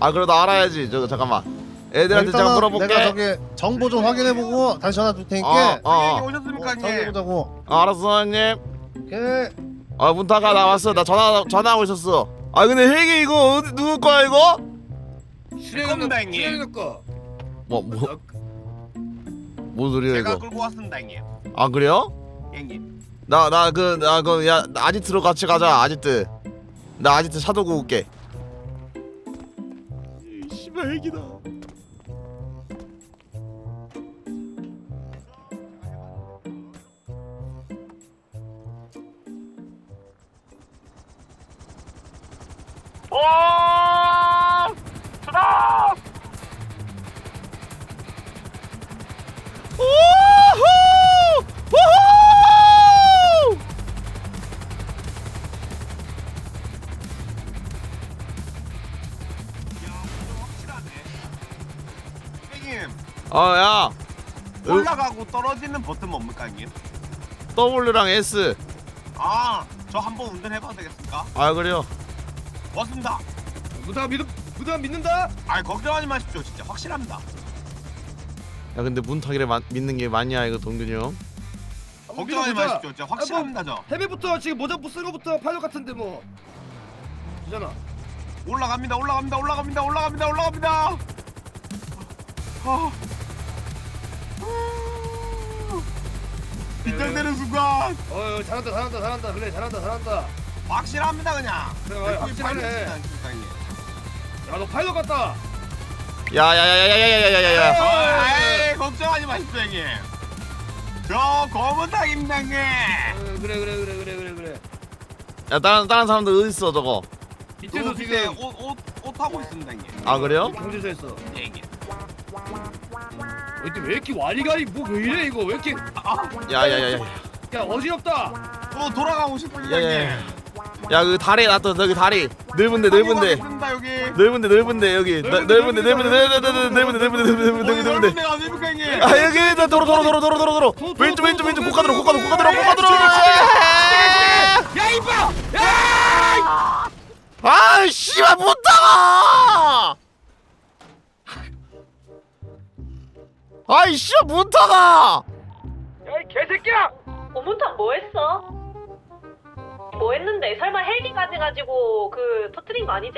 아 그래도 알아야지. 저거 잠깐만. 애들한테 제가 물어볼게. 내가 저기 정보 좀 확인해보고 다시 전화 줄 테니까. 형님 오셨습니까 형님? 정해보자고. 알았어 형님. 오케이. 문타가 나 왔어. 나 전화하고 있었어. 아 근데 헬기 이거 누구 거야 이거? 겁니다 형님. 뭔 소리야 제가 이거? 끌고 왔습니다 형님. 아 그래요? 형님. 나 아지트로 같이 가자. 아지트. 나 아지트 사도구 올게. 씨발 헬기다. 오! 수다! 우후! 우후! 형님. 야. 올라가고 떨어지는 버튼 뭡니까 형님? W랑 S. 저 한번 운전해봐도 되겠습니까? 아 그래요. 왔습니다. 무당 믿는다. 걱정하지 마십시오. 진짜 확실합니다. 야 근데 문탁이를 믿는 게 맞냐 이거 동균이 형? 걱정하지 마십시오. 진짜 확실합니다 저. 헤비부터 지금 모자부 쓴 거부터 파일럿 같은데 뭐. 되잖아. 올라갑니다. 긴장되는 순간 잘한다. 그래 잘한다. 확실합니다 그냥. 그래 확실하네. 야너 파일럿 같다. 야야야야야야야야야. 에이 걱정하지 마십시오 형님. 저 검은 닭입니다 형님. 그래. 야 다른 사람들 어디 있어 저거? 밑에도 밑에 지금 옷 하고 있습니다 형님. 아 그래요? 경제서 했어. 예, 형님. 왜 이렇게 와리가리 뭐 왜 이래 이거 왜 이렇게 야야야야. 야 어지럽다. 돌아가고 싶습니다 야야야. 형님. 야 그 다리 놨다 저기 다리 넓은데 있습니다 여기. 넓은데 여기 넓은데 아닙니까 형님? 아 여기 도로 왼쪽 고가 들어 야 이봐. 아 씨발 못 타가 아이 씨발 못 타가 야 이 개새끼야. 오문탁 뭐 했어? 뭐 했는데? 설마 헬기까지 가지고 그 터뜨린 거 아니지?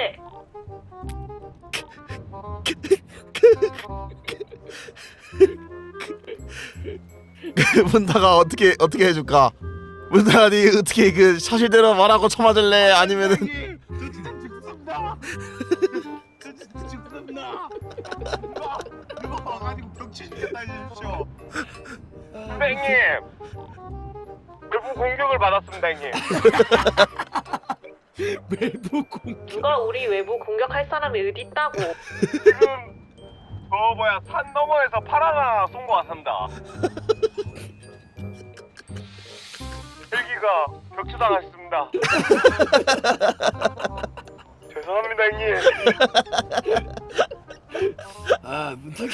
문타가 어떻게 해줄까? 문타가 니 어떻게 그 사실대로 말하고 쳐맞을래? 아니면은 형님, 저 진짜 죽습니다. 저 진짜 죽습니다. 누가 와가지고 병치 죽겠다 해주십시오. 형님, 외부 공격을 받았습니다 형님. 외부 공격. 누가 우리 외부 공격할 사람이 어디 있다고? 지금 산 너머에서 팔 하나 쏜 거 같습니다. 헬기가 격추당했습니다. 죄송합니다 형님. 아 문탁이.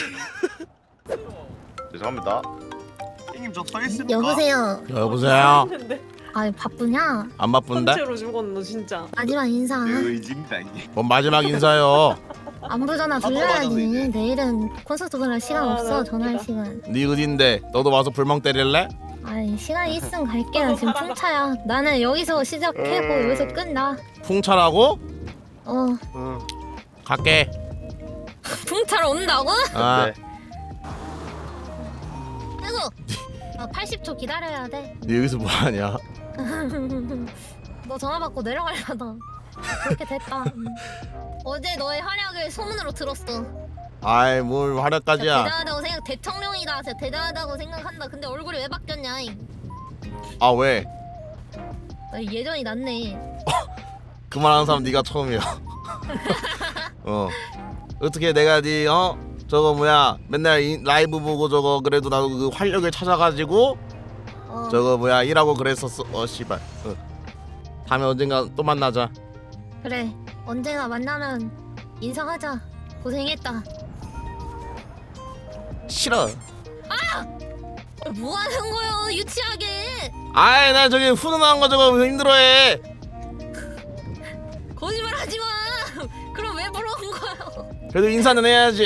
죄송합니다. 형님 저 서 있습니까? 여보세요. 여보세요. 아 바쁘냐? 안 바쁜데? 번째로 죽었노 진짜. 마지막 인사. 의지입니다 형님. 뭔 마지막 인사요? 안부 전화 돌려야지. 내일은 콘서트 그럴 시간 없어. 전화할 시간. 니 어딘데? 너도 와서 불멍 때릴래? 아이 시간 있으면 갈게. 나 지금 풍차야. 나는 여기서 시작하고 여기서 끝나. 풍차라고? 갈게. 풍차로 온다고? 아, 아이고. 80초 기다려야 돼. 니 여기서 뭐 하냐? 너 전화 받고 내려가려다. 그렇게 됐다. 어제 너의 활약을 소문으로 들었어. 아이 뭘 활약까지야? 대단하다고 생각. 대통령이다. 진짜 대단하다고 생각한다. 근데 얼굴이 왜 바뀌었냐? 아 왜? 예전이 낫네. 그만하는 사람 네가 처음이야. 어떻게 내가 네 저거 뭐야 맨날 라이브 보고 저거 그래도 나도 그 활력을 찾아가지고 저거 뭐야 일하고 그랬었어. 씨발. 다음에 언젠가 또 만나자. 그래. 언제나 만나면 인사하자. 고생했다. 싫어. 뭐 하는 거요? 유치하게. 아이 나 저기 훈훈한 거 저거 힘들어해. 거짓말 하지 마. 그럼 왜 물어본 거예요? 그래도 인사는 해야지.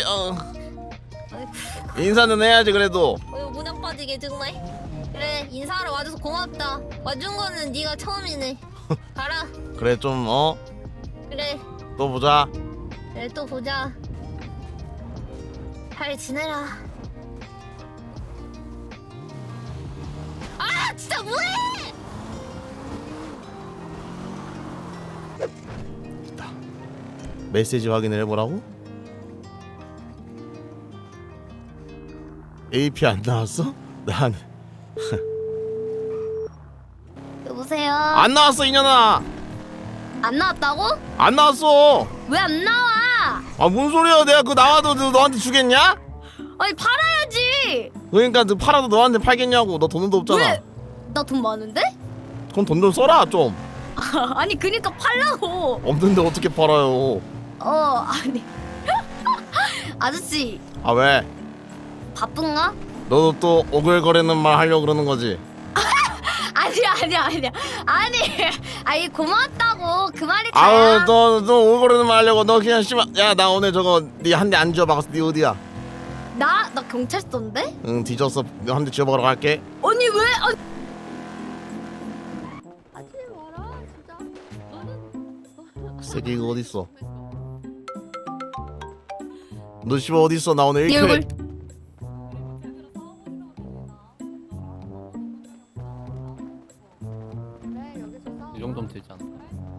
인사는 해야지 그래도. 무념 빠지게 정말. 그래 인사하러 와줘서 고맙다. 와준 거는 네가 처음이네. 가라. 그래 좀 그래. 또 보자. 그래 또 보자. 잘 지내라. 아 진짜 뭐해? 메시지 확인을 해보라고? AP 안 나왔어? 난 여보세요. 안 나왔어 이년아. 안 나왔다고? 안 나왔어. 왜 안 나와? 아 뭔 소리야? 내가 그거 나와도 너한테 주겠냐? 아니 팔아야지. 그러니까 너 팔아도 너한테 팔겠냐고. 너 돈도 없잖아. 왜? 나 돈 많은데? 그럼 돈 좀 써라 좀. 아니 그니까 팔라고. 없는데 어떻게 팔아요? 아니 아저씨 아 왜? 바쁜가? 너도 또 오글거리는 말 하려고 그러는 거지? 아니야 아니 고맙다고 그 말이 아유 다야. 너 오글거리는 말 하려고 너 그냥 씨발 야 오늘 저거 니 한 대 안 지워박았어. 니 어디야? 나 경찰서인데? 응 뒤졌어. 한 대 지워박으러 갈게. 아니 왜? 하지 마라 진짜. 새끼 이거 어딨어? 너 씨발 어딨어? 나 오늘 네 1킬 얼굴. 이 정도면 되지 않을까?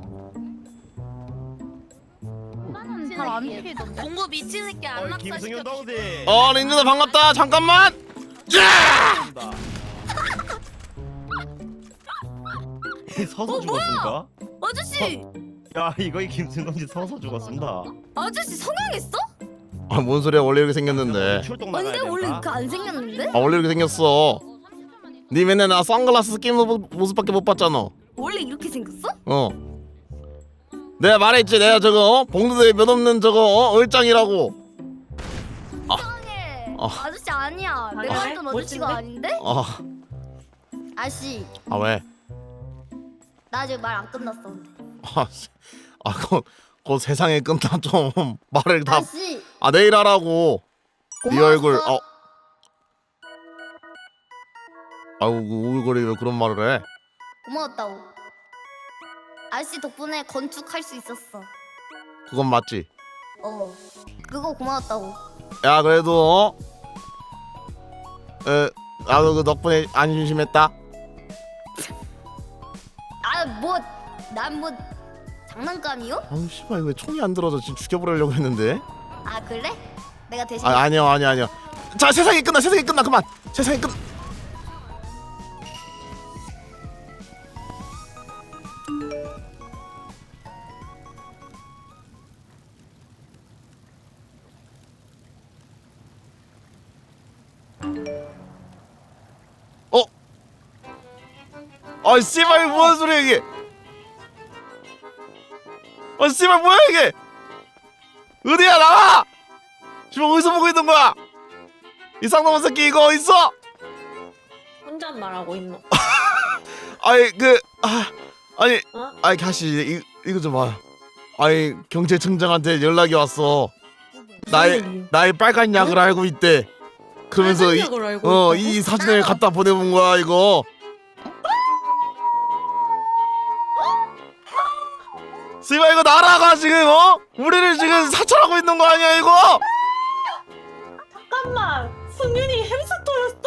잘안 피던데. 공부 미친 새끼 안 낙사 김승현 시켜. 동생. 린누나 반갑다. 잠깐만. 서서 죽었습니다. 아저씨 야 이거 김승현 동생 서서 죽었습니다. 아저씨 성형했어? 아 뭔 소리야? 원래 이렇게 생겼는데. 출동 나가야 근데 된다. 원래 이렇게 안 생겼는데? 아 원래 이렇게 생겼어. 니 맨날 나 선글라스 낀 모습밖에 못 봤잖아. 원래 이렇게 생겼어? 내가 말했지. 내가 저거 봉두대 몇 없는 저거 얼짱이라고. 이상해. 아. 아저씨 아니야. 내가 알던 아저씨가 아닌데? 아저씨 아 왜? 나 아직 말 안 끝났어. 근데. 그 세상에 끝나 좀 말을 다. 아저씨 내일 하라고. 네 고마웠어. 얼굴. 아우 그 오글거리 왜 그런 말을 해? 고마웠다고. 아저씨 덕분에 건축할 수 있었어. 그건 맞지. 그거 고마웠다고. 야 그래도 나도 그 덕분에 안 심심했다. 난 뭐 장난감이요? 아우 씨발 왜 총이 안 들어져. 지금 죽여버리려고 했는데. 아 그래? 내가 대신 아니야. 자 세상이 끝나 그만. 세상이 끝. 씨발 뭐하는 소리야 이게? 씨발 뭐야 이게? 어디야 나와! 씨발 어디서 보고 있는 거야? 이 쌍놈의 새끼 이거 어딨어? 혼잣말하고 있노. 아니 가시 이거 좀 봐요. 경찰청장한테 연락이 왔어. 나의 빨간 약을 알고 있대. 그러면서 이 사진을 갖다 보내본 거야 이거. 씨발 이거 나라가 지금 우리를 지금 사찰하고 있는 거 아니야 이거? 잠깐만, 승윤이 햄스터였어?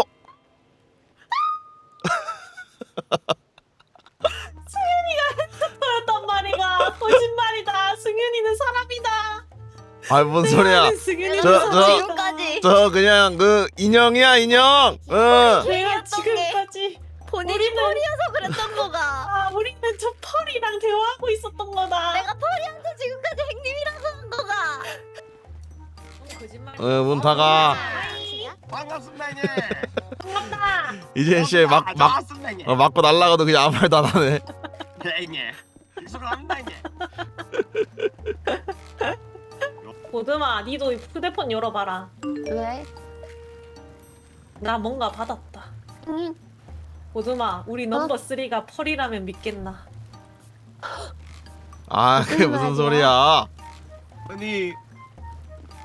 승윤이가 햄스터였단 말이가. 거짓말이다. 승윤이는 사람이다. 뭔 소리야? 승윤이는 지금까지 저 그냥 그 인형이야 인형. 내가 지금까지 본인이 펄이어서 그랬던 거가. 우리는 저 펄이랑 대화하고 있었던 거다. 내가 펄이어서 지금까지 행님이라고 한 거가. 거짓말. 문 닫아. 반갑습니다 형님. 반갑다. 이제 씨 반갑습니다 형님. 맞고 날라가도 그냥 아무 말도 안 하네. 형님. 익숙합니다 형님. 보드마, 니도 휴대폰 열어봐라. 왜? 나 뭔가 받았다. 응. 보드마, 우리 넘버 3가 펄이라면 믿겠나? 그게 무슨 소리야? 아니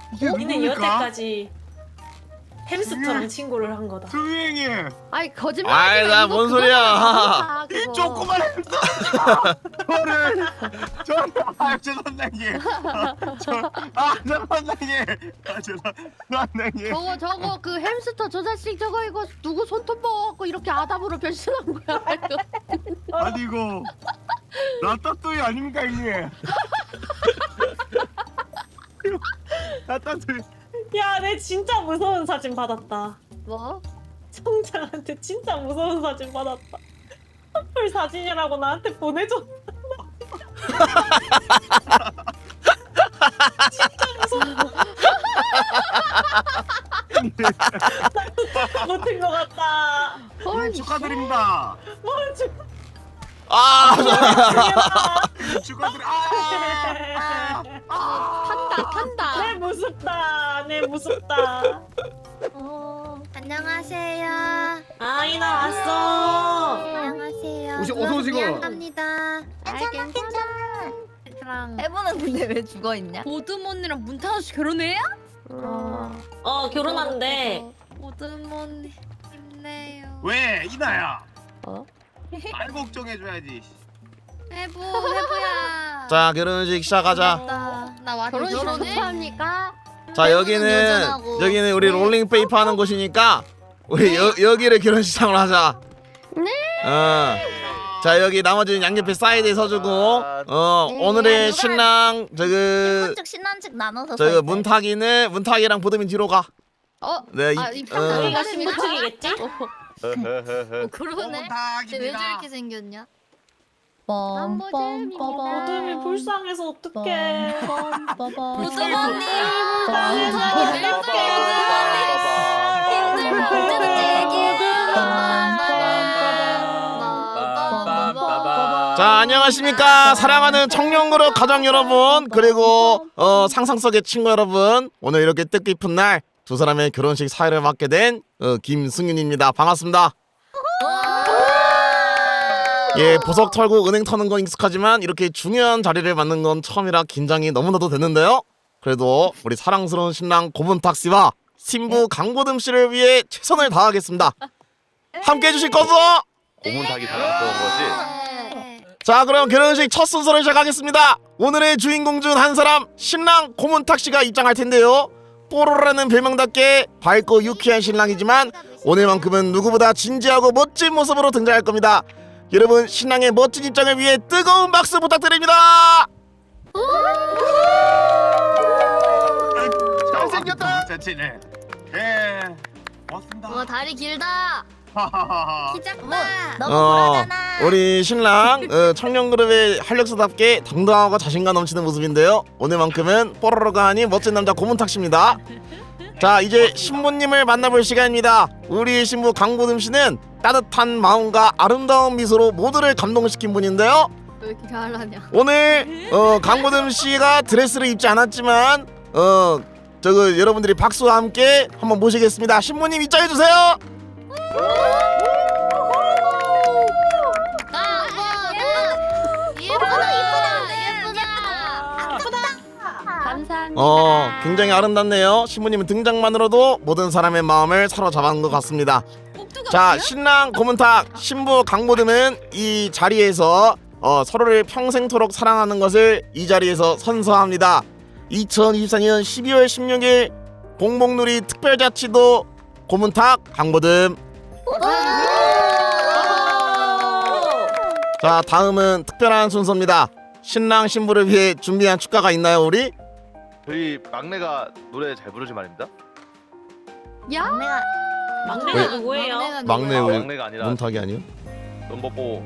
이게 니는 누굽니까? 여태까지 햄스터랑 친구를 한 거다. 선생님 아이 거짓말. 아이, 나 뭔 소리야. 이 조그만 햄스터 저는 저 선생님 저 선생님 선생님 저거 그 햄스터 저 자식 저거 이거 누구 손톱 먹어갖고 이렇게 아담으로 변신한 거야. 아니 이거 라따뚜이 아닙니까 형님? 라따뚜이 야, 내 진짜 무서운 사진 받았다. 뭐? 청장한테 진짜 무서운 사진 받았다. 커플 사진이라고 나한테 보내줘. 진짜 무서워. 못한 것 같다. 형님 축하드립니다. 뭘 아, 축하드립니다. 탄다. 내 무섭다. 내 무섭다. 안녕하세요. 아이나 왔어. 안녕하세요. 어서 오시고. 미안합니다. 괜찮아. 해보는 근데 왜 죽어 있냐? 보듬 언니랑 문탄호 씨 결혼해요? 결혼한대. 보듬 언니 힘내요. 왜 이나야? 어? 날 걱정해줘야지. 해보야. 자, 결혼식 시작하자. 나 완전 결혼식 결혼해? 축하합니까? 자, 여기는 여전하고. 우리 롤링 페이퍼 하는 곳이니까 우리 여기를 결혼식장으로 하자. 네. 자, 여기 나머지는 양옆에 사이드에 서주고 오늘의 신랑 신혼측 신혼측 나눠서. 문탁이랑 보듬이 뒤로 가. 네, 우리가 신부 측이겠지? 그러네. 왜 저렇게 생겼냐? 보듬이 불쌍해서 어떡해. 보듬 언니. 자, 안녕하십니까 사랑하는 청년그룹 가족 여러분, 그리고 상상 속의 친구 여러분, 오늘 이렇게 뜻깊은 날 두 사람의 결혼식 사회를 맡게 된 김승윤입니다. 반갑습니다. 예, 보석 털고 은행 터는 건 익숙하지만 이렇게 중요한 자리를 맡는 건 처음이라 긴장이 너무나도 되는데요. 그래도 우리 사랑스러운 신랑 고문탁 씨와 신부 강보듬 씨를 위해 최선을 다하겠습니다. 함께 해주실 거죠? 고문탁이 자랑스러운 거지. 자, 그럼 결혼식 첫 순서를 시작하겠습니다. 오늘의 주인공 중 한 사람, 신랑 고문탁 씨가 입장할 텐데요. 뽀로로라는 별명답게 밝고 유쾌한 신랑이지만 오늘만큼은 누구보다 진지하고 멋진 모습으로 등장할 겁니다. 여러분, 신랑의 멋진 입장을 위해 뜨거운 박수 부탁드립니다. 잘생겼다. 자치네. 예. 고맙습니다. 다리 길다. 키 작다. 너무 어, 불하잖아. 우리 신랑 청년그룹의 활력소답게 당당하고 자신감 넘치는 모습인데요. 오늘만큼은 뽀로로가 아닌 멋진 남자 고문탁 씨입니다. 자, 이제 신부님을 만나볼 시간입니다. 우리 신부 강보듬 씨는 따뜻한 마음과 아름다운 미소로 모두를 감동시킨 분인데요. 왜 이렇게 잘하냐? 오늘 강보듬 씨가 드레스를 입지 않았지만 여러분들이 박수와 함께 한번 모시겠습니다. 신부님 입장해 주세요. 감사합니다. 굉장히 아름답네요. 신부님은 등장만으로도 모든 사람의 마음을 사로잡은 것 같습니다. 자, 신랑 고문탁, 신부 강보듬은 이 자리에서 서로를 평생토록 사랑하는 것을 이 자리에서 선서합니다. 2024년 12월 16일 봉봉누리 특별자치도 고문탁 강보듬. 자, 다음은 특별한 순서입니다. 신랑 신부를 위해 준비한 축가가 있나요, 우리? 저희 막내가 노래 잘 부르지 말입니다. 야? 막내가 누구예요? 막내 우리 막내가 아니라 문탁이 아니요? 넘버포.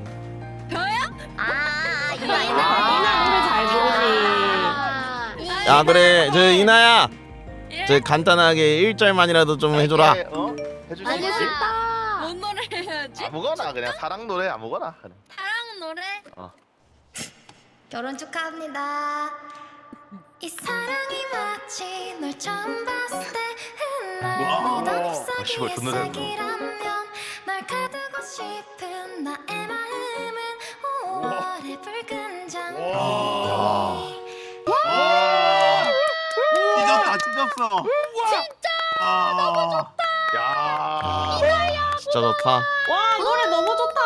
이나 노래 잘 부르지. 야, 그래, 저 이나야, 저 간단하게 1절만이라도 좀 해줘라. 해줄 수 있지? 뭔 노래 해야지? 아무거나 그냥 사랑 노래 아무거나. 그냥. 사랑 노래? 어. 결혼 축하합니다. 이 사랑이 마치 널 처음 봤을 때 흘러내던 잎사귀의 색이라면 널 가두고 싶은 나의 마음은 5월의 붉은 장미. 이 찢었다 찢었어. 진짜. 야. 진짜 좋다. 와 노래 너무 좋다.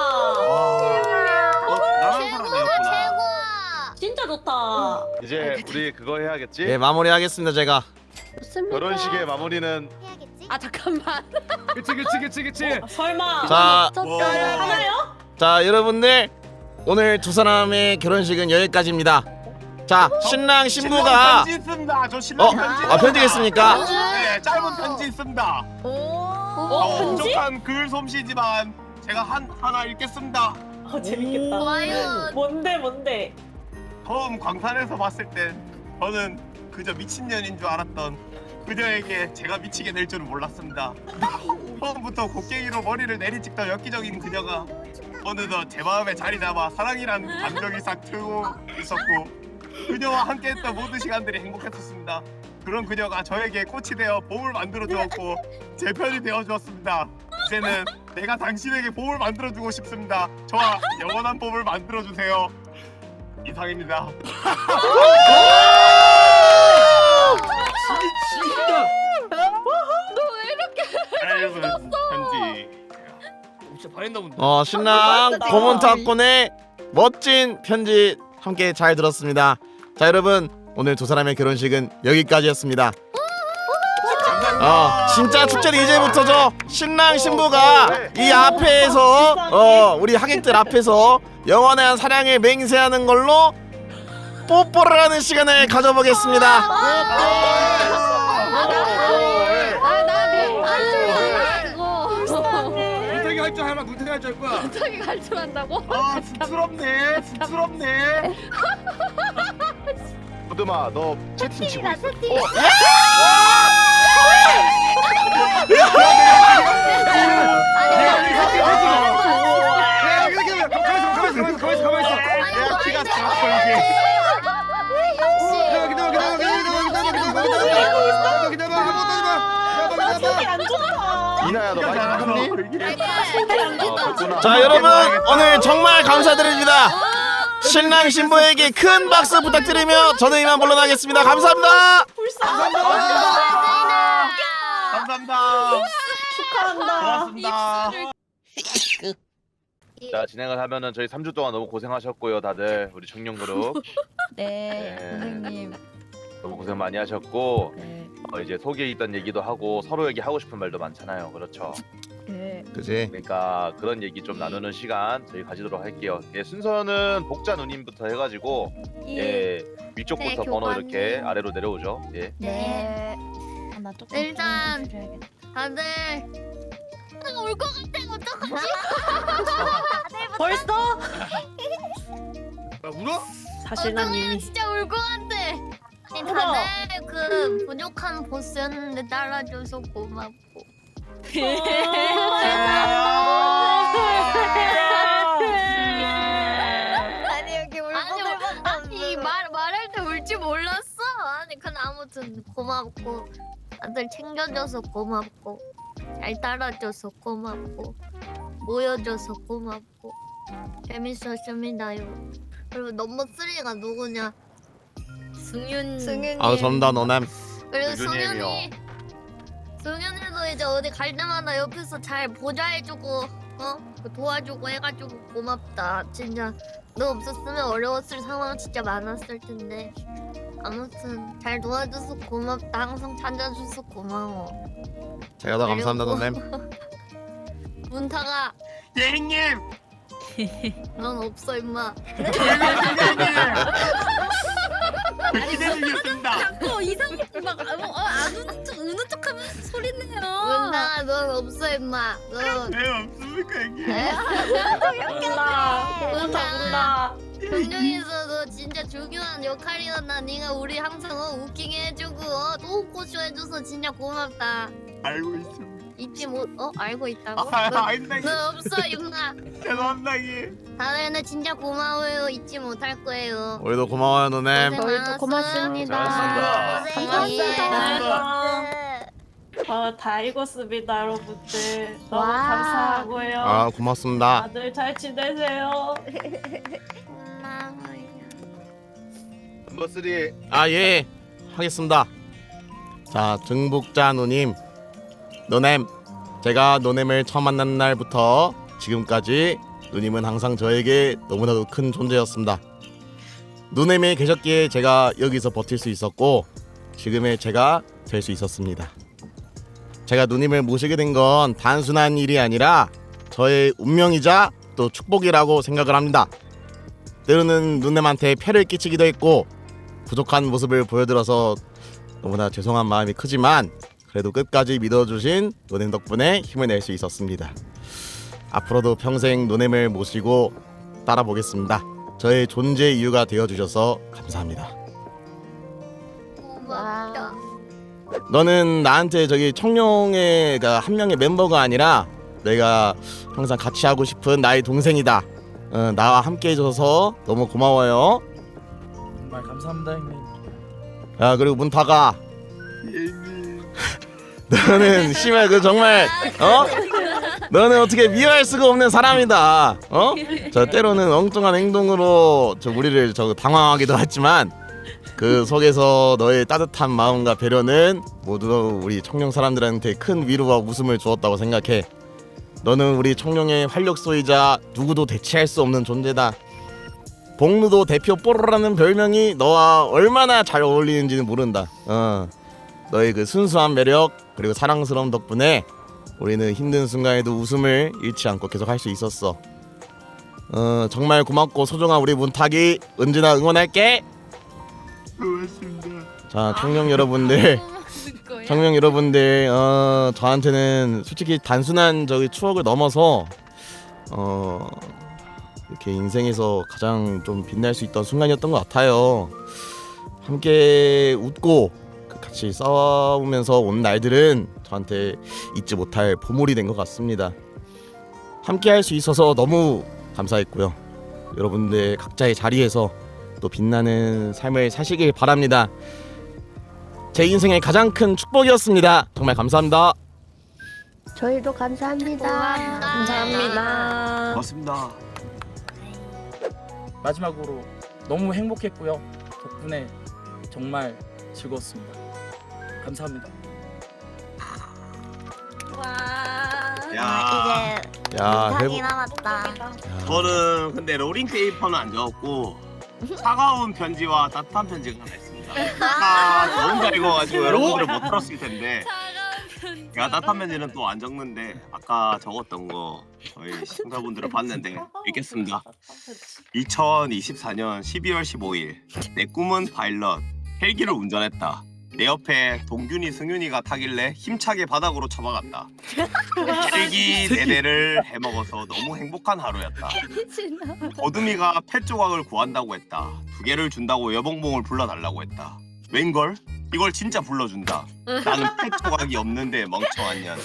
나랑 사람 되었구나. 진짜 좋다. 이제 우리 그거 해야겠지? 예, 마무리하겠습니다 제가. 좋습니다. 결혼식의 마무리는 아 잠깐만. 그치. 설마. 자, 하나요? 자 여러분들 오늘 두 사람의 결혼식은 여기까지입니다. 자, 신랑 신부가 편지 있습니다. 저 신랑 편지. 편지가 있습니까? 네, 짧은 편지 있습니다. 편지? 부족한 글 솜씨지만 제가 하나 읽겠습니다. 재밌겠다. 과연 뭔데? 처음 광산에서 봤을 땐 저는 그저 미친년인 줄 알았던 그녀에게 제가 미치게 될 줄은 몰랐습니다. 처음부터 곡괭이로 머리를 내리찍던 엽기적인 그녀가 어느덧 제 마음에 자리 잡아 사랑이란 감정이 싹 트고 있었고 그녀와 함께했던 모든 시간들이 행복했었습니다. 그런 그녀가 저에게 꽃이 되어 봄을 만들어 주었고 제 편이 되어 주었습니다. 이제는 내가 당신에게 봄을 만들어 주고 싶습니다. 저와 영원한 봄을 만들어 주세요. 이상입니다. 짧은 편지. 진짜 반했나 본데. 신랑 고문탁군의 멋진 편지 함께 잘 들었습니다. 자 여러분 오늘 두 사람의 결혼식은 여기까지였습니다. 진짜 축제는 이제부터죠. 신랑 신부가 이 앞에서 우리 하객들 앞에서 영원한 사랑을 맹세하는 걸로 뽀뽀를 하는 시간을 가져보겠습니다. 문태기 할 줄 알면 문태기 할 줄 알 거야. 저기 갈 줄 안다고? 쑥스럽네. 쑥스럽네. 부드마 너 채팅 치고 있어. 가만히 있어. 내가 키가 작아서 이게. 이나야 너 마이크 켰니? 자 여러분 오늘 정말 감사드립니다. 신랑 신부에게 큰 박수 부탁드리며 저는 이만 물러나겠습니다. 감사합니다. 감사합니다. 축하한다. 고맙습니다. 자 진행을 하면은 저희 3주 동안 너무 고생하셨고요 다들 우리 청룡 그룹 네, 네. 선생님. 너무 고생 많이 하셨고 네. 이제 속에 있던 얘기도 하고 서로에게 하고 싶은 말도 많잖아요. 그렇죠? 네. 그지? 그러니까 그런 얘기 좀 나누는 시간 저희 가지도록 할게요. 예, 순서는 복자 누님부터 해가지고 예 위쪽부터 네, 번호 교관님. 이렇게 아래로 내려오죠. 예. 네. 아, 나 조금 일단 줄여야겠다. 다들 울 것 같아. 어떡하지? 벌써? 울어? 사실 난 이미 진짜 울 것 같아. 아니 다들 그 부족한 보스였는데 따라줘서 고맙고. 아니 여기 아니 말할 때 울지 몰랐어. 아니 근데 아무튼 고맙고 다들 챙겨줘서 고맙고 잘 따라줘서 고맙고 모여줘서 고맙고 재밌었습니다요. 그리고 넘버 3가 누구냐? 승윤이. 전다 너남. 그리고 승윤이요. 승윤이도 이제 어디 갈 때마다 옆에서 잘 보좌해주고 도와주고 해가지고 고맙다. 진짜 너 없었으면 어려웠을 상황 진짜 많았을 텐데 아무튼 잘 도와줘서 고맙다. 항상 찾아줘서 고마워. 제가 더 감사합니다 너남. 문타가 예 형님. 넌 없어 임마. 기대드리겠습니다. 자꾸 이상하게 막안 우는 척하면서 소리 내요. 문타가 넌 없어 임마. 넌 왜 없습니까 형님? 운다. 경영에서도 진짜 중요한 역할이었나. 네가 우리 항상 웃기게 해주고 또 웃고쇼 해줘서 진짜 고맙다. 알고 있습니다. 잊지 못 알고 있다고? 아닙니다. 너 없어 임마. 죄송합니다 형님. 다들 나 진짜 고마워요. 잊지 못할 거예요. 우리도 고마워요 너남. 저희도 고맙습니다. 감사합니다. 다 읽었습니다, 여러분들. 너무 와. 감사하고요. 고맙습니다. 다들 잘 지내세요. 넘버 3 예 하겠습니다. 자, 정복자 누님, 노넴, 제가 노넴을 처음 만난 날부터 지금까지 누님은 항상 저에게 너무나도 큰 존재였습니다. 노넴이 계셨기에 제가 여기서 버틸 수 있었고 지금의 제가 될 수 있었습니다. 제가 누님을 모시게 된 건 단순한 일이 아니라 저의 운명이자 또 축복이라고 생각을 합니다. 때로는 누님한테 폐를 끼치기도 했고 부족한 모습을 보여드려서 너무나 죄송한 마음이 크지만 그래도 끝까지 믿어주신 노넴 덕분에 힘을 낼 수 있었습니다. 앞으로도 평생 노넴을 모시고 따라보겠습니다. 저의 존재 이유가 되어주셔서 감사합니다. 고맙다. 너는 나한테 저기 청룡의 한 명의 멤버가 아니라 내가 항상 같이 하고 싶은 나의 동생이다. 나와 함께 해줘서 너무 고마워요. 정말 감사합니다 형님. 야, 그리고 문타가 너는 심해 그 정말 너는 어떻게 미워할 수가 없는 사람이다. 저 때로는 엉뚱한 행동으로 저 우리를 저 당황하기도 했지만 그 속에서 너의 따뜻한 마음과 배려는 모두 우리 청룡 사람들한테 큰 위로와 웃음을 주었다고 생각해. 너는 우리 청룡의 활력소이자 누구도 대체할 수 없는 존재다. 복루도 대표 뽀로라는 별명이 너와 얼마나 잘 어울리는지는 모른다. 너의 그 순수한 매력 그리고 사랑스러운 덕분에 우리는 힘든 순간에도 웃음을 잃지 않고 계속 할 수 있었어. 정말 고맙고 소중한 우리 문탁이 언제나 응원할게. 고맙습니다. 자, 청룡 여러분들, 청룡 여러분들, 저한테는 솔직히 단순한 저기 추억을 넘어서 이렇게 인생에서 가장 좀 빛날 수 있던 순간이었던 것 같아요. 함께 웃고 같이 싸우면서 온 날들은 저한테 잊지 못할 보물이 된 것 같습니다. 함께 할 수 있어서 너무 감사했고요. 여러분들 각자의 자리에서 또 빛나는 삶을 사시길 바랍니다. 제 인생의 가장 큰 축복이었습니다. 정말 감사합니다. 저희도 감사합니다. 감사합니다. 고맙습니다. 마지막으로 너무 행복했고요. 덕분에 정말 즐거웠습니다. 감사합니다. 야, 야, 남았다. 저는 근데 로링 페이퍼는 안 적었고 차가운 편지와 따뜻한 편지가 하나 있습니다. 저 혼자 읽어가지고 여러분들은 못 들었을 텐데 제가 따뜻한 편지는 또 안 적는데 아까 적었던 거 저희 시청자분들은 봤는데 읽겠습니다. 2024년 12월 15일 내 꿈은 파일럿 헬기를 운전했다. 내 옆에 동균이 승윤이가 타길래 힘차게 바닥으로 쳐박았다. 헬기 4대를 해먹어서 너무 행복한 하루였다. 거두미가 펫 조각을 구한다고 했다. 2개를 준다고 여봉봉을 불러달라고 했다. 웬걸? 이걸 진짜 불러준다. 나는 펫 조각이 없는데 멍청한 년.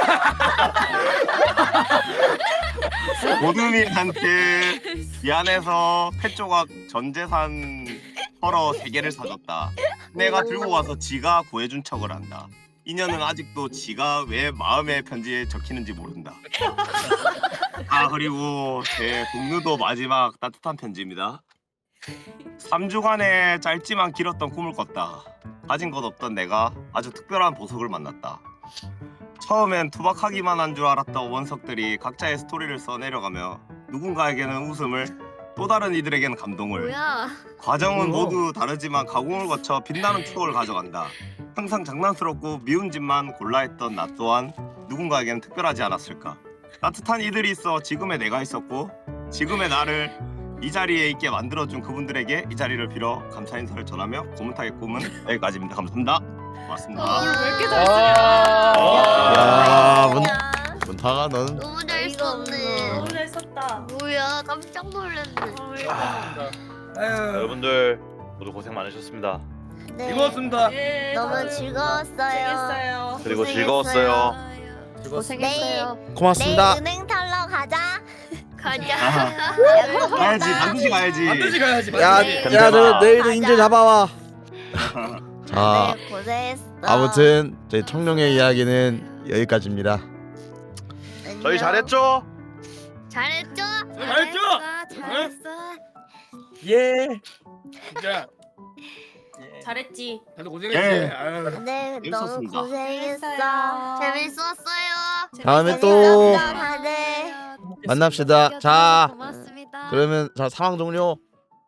거두미한테 미안해서 펫 조각 전 재산 털어 3개를 사줬다. 내가 들고 와서 지가 구해준 척을 한다. 이년은 아직도 지가 왜 마음의 편지에 적히는지 모른다. 아, 그리고 제 동료도 마지막 따뜻한 편지입니다. 3주간의 짧지만 길었던 꿈을 꿨다. 가진 것 없던 내가 아주 특별한 보석을 만났다. 처음엔 투박하기만 한 줄 알았던 원석들이 각자의 스토리를 써내려가며 누군가에게는 웃음을 또 다른 이들에게는 감동을. 뭐야? 과정은 모두 다르지만 가공을 거쳐 빛나는 추억을 가져간다. 항상 장난스럽고 미운 짓만 골라 했던 나 또한 누군가에게는 특별하지 않았을까. 따뜻한 이들이 있어 지금의 내가 있었고 지금의 나를 이 자리에 있게 만들어준 그분들에게 이 자리를 빌어 감사 인사를 전하며 고문탁의 꿈은 여기까지입니다. 감사합니다. 고맙습니다. 왜 이렇게 야, 문타가 넌 너무 잘 썼네. 너무 잘 썼다. 뭐야? 깜짝 놀랐네. 아유, 여러분들 모두 고생 많으셨습니다. 네. 즐거웠습니다. 너무 즐거웠어요. 그리고 즐거웠어요. 고생했어요. 고맙습니다. 은행 털러 가자. 가자. 가야지, 반드시 가야지. 반드시 가야지. 야, 반드시. 야, 너 내일도 인제 잡아와. 자, 네, 고생했어. 아무튼 제 청룡의 이야기는 여기까지입니다. 저희 잘했죠? 잘했죠? 잘했죠? 잘했어. 예. 진짜 예. 잘했지. 다들 고생했지. 예. 아유. 네, 너무 재밌었습니다. 고생했어. 재밌었어요. 다음에 또 재밌었어, 다들. 만납시다. 자, 고맙습니다. 그러면 자 상황 종료.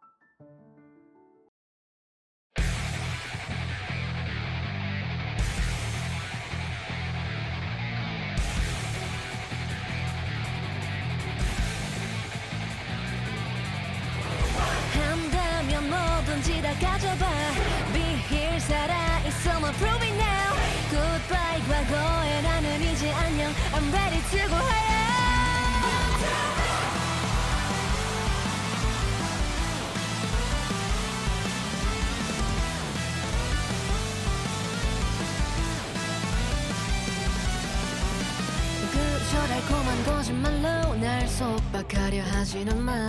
한다면 뭐든지 다 가져봐. Be here 살아있어 뭐 prove it now. Goodbye 과거에 나는 이제 안녕. I'm ready to go higher. 그저 달콤한 거짓말로 날 속박하려 하지는 마.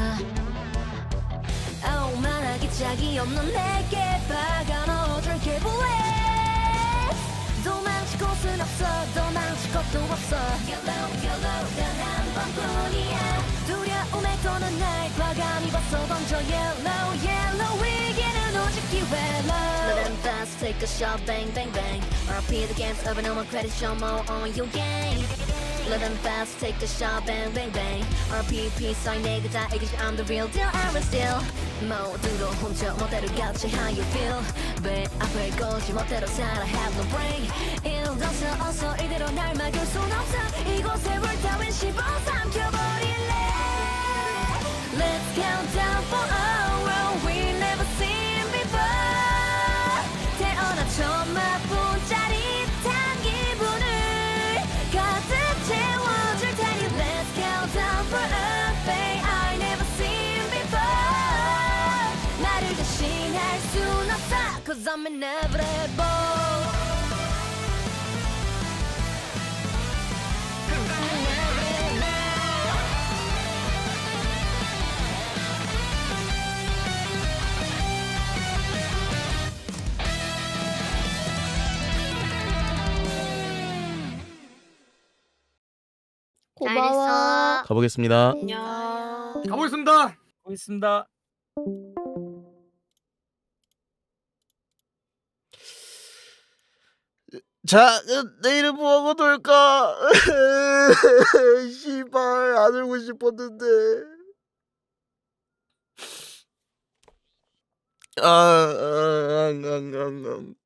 오만하기 짝이 없는 내게 박아 넣어줄게 bullet. 도망칠 곳은 없어 도망칠 것도 없어. Yellow yellow 단 한 번뿐이야. 두려움에 도는 날 과감히 벗어 던져 Yellow yellow 위기는 오직 기회로. Let them fast take a shot bang bang bang. RP the games of a normal credit show more on your game. Let them fast take a shot bang bang bang. RPP sign 내가 다 이기지 I'm the real deal I'm real still. 모두도 훔쳐 멋대로 같이 how you feel. 배 앞을 걸지 멋대로 살아 have no brain. 일어서 어서 이대로 날 막을 순 없어. 이곳에 물 따윈 씹어 삼켜버릴래. Let's count down for a world we never seen before. 태어나 처음 맛본 짜릿한 기분을 가득 채워줄 테니 Let's count down for a fate I never seen before. 나를 대신할 순 없어 Cause I'm inevitable. 잘했어. 가보겠습니다. 안녕. 가보겠습니다. 보겠습니다. 자, 내일은 뭐하고 놀까? 씨발 안 울고 싶었는데. 아,